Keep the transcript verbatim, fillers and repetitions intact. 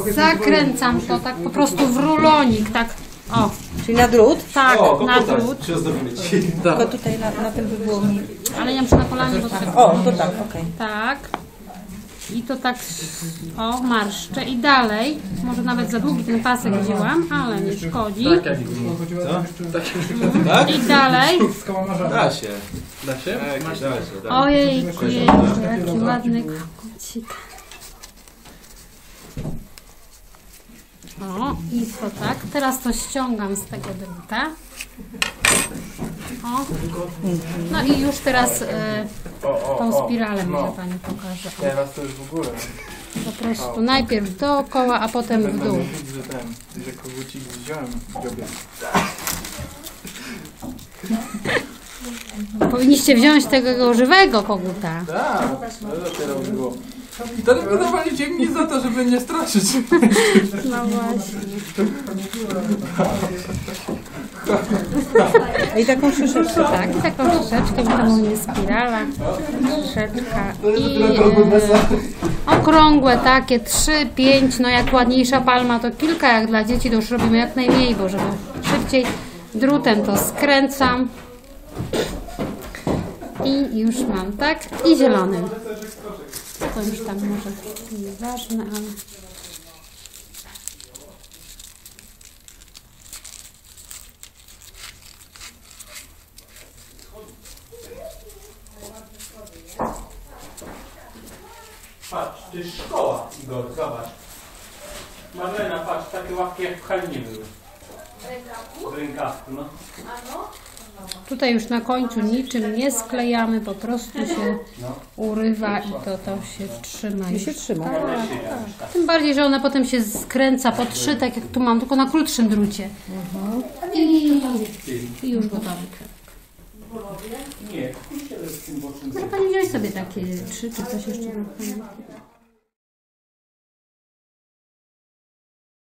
Zakręcam to tak po prostu w rulonik, tak. O. Czyli na drut? Tak, o, na drut. Tylko tutaj na, na tym by było mi. Ale ja muszę na kolanie, bo tak. O, to tak, okej. Okay. Tak. I to tak, o, marszczę. I dalej, może nawet za długi ten pasek wzięłam, ale nie szkodzi. Tak? I dalej. Da się. Da się? Da się, da się. Ojej, jaki ładny kogucik. O, i to tak. Teraz to ściągam z tego druta. O. No i już teraz e, tą spiralę może Pani pokaże. O. Teraz to już w ogóle. Po prostu najpierw dookoła, a potem w dół. Że ten, że kogucik wziąłem w dziobie. Powinniście wziąć tego żywego koguta. Tak, to dopiero by było. To wydawaliście mnie za to, żeby nie straszyć. No właśnie. I taką szyszeczkę. Tak, i taką szyszeczkę, bo to u mnie spirala, szyszeczka i e, okrągłe takie, trzy, pięć, no jak ładniejsza palma to kilka, jak dla dzieci to już robimy jak najmniej, bo żeby szybciej. Drutem to skręcam i już mam, tak? I zielonym. To już tam może nieważne, ale... Patrz, to jest szkoła, Igor, zobacz. Marlena, patrz, takie łapki jak w Halinie były. W rękawku? W rękawku, no. Tutaj już na końcu niczym nie sklejamy, po prostu się urywa i to, to się trzyma. I się trzyma. Tak, tak. Tym bardziej, że ona potem się skręca po trzy, tak jak tu mam, tylko na krótszym drucie. I, i już gotowy krewek. Nie, kurczę, z tym bocznym. Może Pani wziąć sobie takie trzy, czy coś jeszcze?